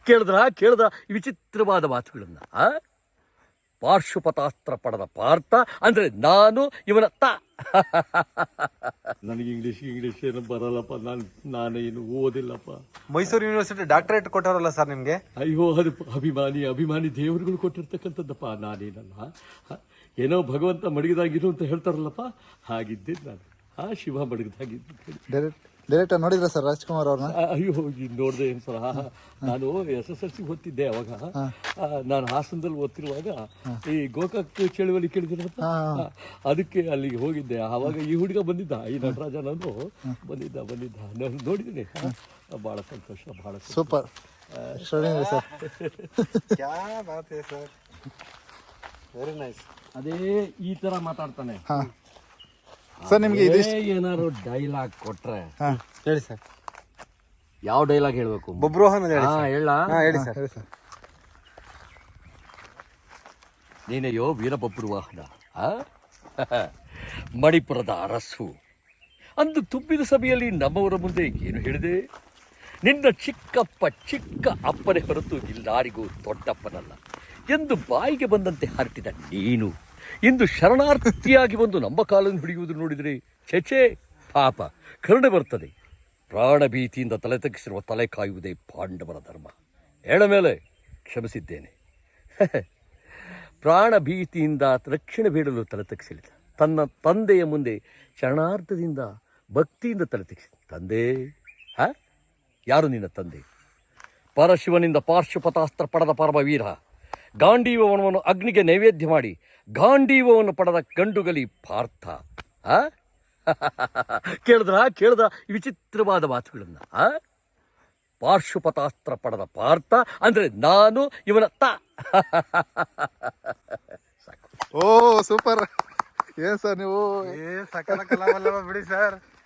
ಕೇಳಿದ್ರ ಈ ವಿಚಿತ್ರವಾದ ಮಾತುಗಳನ್ನ ಪಾರ್ಶ್ವಪತಾಸ್ತ್ರ ಪಡೆದ ಪಾರ್ಥ ಅಂದ್ರೆ ನಾನು ಇವನ ನನಗೆ ಇಂಗ್ಲೀಷ್ ಏನು ಬರಲ್ಲಪ್ಪ. ನಾನೇನು ಓದಿಲ್ಲಪ್ಪ. ಮೈಸೂರು ಯೂನಿವರ್ಸಿಟಿ ಡಾಕ್ಟರೇಟ್ ಕೊಟ್ಟವರಲ್ಲ ಸರ್ ನಿಮ್ಗೆ? ಅಯ್ಯೋ, ಅದು ಅಭಿಮಾನಿ ದೇವರುಗಳು ಕೊಟ್ಟಿರ್ತಕ್ಕಂಥದ್ದಪ್ಪ. ನಾನೇನಲ್ಲ. ಏನೋ ಭಗವಂತ ಮಡಗಿದಾಗಿರು ಅಂತ ಹೇಳ್ತಾರಲ್ಲಪ್ಪ, ಹಾಗಿದ್ದೆ ನಾನು. ಶಿವ ಮಡಗಿದಾಗಿದ್ದು. ಡೈರೆಕ್ಟ್ ನೋಡಿದ್ರ ಸರ್ ರಾಜ್ಕುಮಾರ್ ಅವ್ರನ್ನ? ಅಯ್ಯೋ, ನೋಡಿದೆ ಏನು ಸರ್. ನಾನು SSLC ಓದ್ತಿದ್ದೆ ಅವಾಗ. ನಾನು ಹಾಸನದಲ್ಲಿ ಓದ್ತಿರುವಾಗ ಈ ಗೋಕಾಕ್ ಚಳುವಳಿ ಕೇಳಿದಿರಪ್ಪ, ಅದಕ್ಕೆ ಅಲ್ಲಿಗೆ ಹೋಗಿದ್ದೆ. ಆವಾಗ ಈ ಹುಡುಗ ಬಂದಿದ್ದ, ಈ ನಟರಾಜ ನಾನು ಬಂದಿದ್ದ ನಾನು ನೋಡಿದ್ದೀನಿ. ಭಾಳ ಸಂತೋಷ, ಭಾಳ ಸೂಪರ್ ಸರ್. Very nice. ಅದೇ ಈ ತರ ಮಾತಾಡ್ತಾನೆ ಸರ್. ನಿಮ್ಗೆ ಏನಾದ್ರು ಡೈಲಾಗ್ ಕೊಟ್ರೆ ಹೇಳಿ ಸರ್. ಯಾವ ಡೈಲಾಗ್ ಹೇಳ್ಬೇಕು? ಬಬ್ರೋಹನ್ ಹೇಳಿ ಹೇಳಿ ಸರ್. ನೀನೆಯೋ ವೀರಬಬ್ರುವಾಹನ, ಮಣಿಪುರದ ಅರಸು. ಅಂದು ತುಂಬಿದ ಸಭೆಯಲ್ಲಿ ನಮ್ಮವರ ಮುಂದೆ ಏನು ಹೇಳಿದೆ? ನಿನ್ನ ಚಿಕ್ಕ ಅಪ್ಪನೇ ಹೊರತು ಇಲ್ಲಾರಿಗೂ ದೊಡ್ಡಪ್ಪನಲ್ಲ ಎಂದು ಬಾಯಿಗೆ ಬಂದಂತೆ ಹರಟಿದ ನೀನು ಇಂದು ಶರಣಾರ್ಥಿಯಾಗಿ ಬಂದು ನಮ್ಮ ಕಾಲನ್ನು ಹಿಡಿಯುವುದು ನೋಡಿದರೆ ಛೆಛೆ ಪಾಪ, ಕರುಣೆ ಬರ್ತದೆ. ಪ್ರಾಣ ಭೀತಿಯಿಂದ ತಲೆ ತಗ್ಗಿಸಿರುವ ತಲೆ ಕಾಯುವುದೇ ಪಾಂಡವರ ಧರ್ಮ. ಹೇಳ ಮೇಲೆ ಕ್ಷಮಿಸಿದ್ದೇನೆ. ಪ್ರಾಣ ಭೀತಿಯಿಂದ ರಕ್ಷಣೆ ಬೇಡಲು ತಲೆ ತಗ್ಗಿಸಲಿಲ್ಲ. ತನ್ನ ತಂದೆಯ ಮುಂದೆ ಶರಣಾರ್ಥದಿಂದ ಭಕ್ತಿಯಿಂದ ತಲೆ ತಗ್ಗಿಸಿದ ತಂದೆ. ಯಾರು ನಿನ್ನ ತಂದೆ? ಪರಶಿವನಿಂದ ಪಾರ್ಶ್ವಪತಾಸ್ತ್ರ ಪಡೆದ ಪರಮವೀರ. ಗಾಂಡೀವವನ್ನು ಅಗ್ನಿಗೆ ನೈವೇದ್ಯ ಮಾಡಿ ಗಾಂಡೀವವನ್ನು ಪಡೆದ ಗಂಡುಗಲಿ ಪಾರ್ಥ. ಕೇಳಿದ್ರ ಈ ವಿಚಿತ್ರವಾದ ಮಾತುಗಳನ್ನ ಪಾರ್ಶ್ವಪತಾಸ್ತ್ರ ಪಡೆದ ಪಾರ್ಥ ಅಂದ್ರೆ ನಾನು ಇವನ ಓ ಸೂಪರ್. ಏನ್ ಸರ್ ನೀವು? ಸಕಲ ಕಲಾವಲ್ಲಭ ಬಿಡಿ ಸರ್.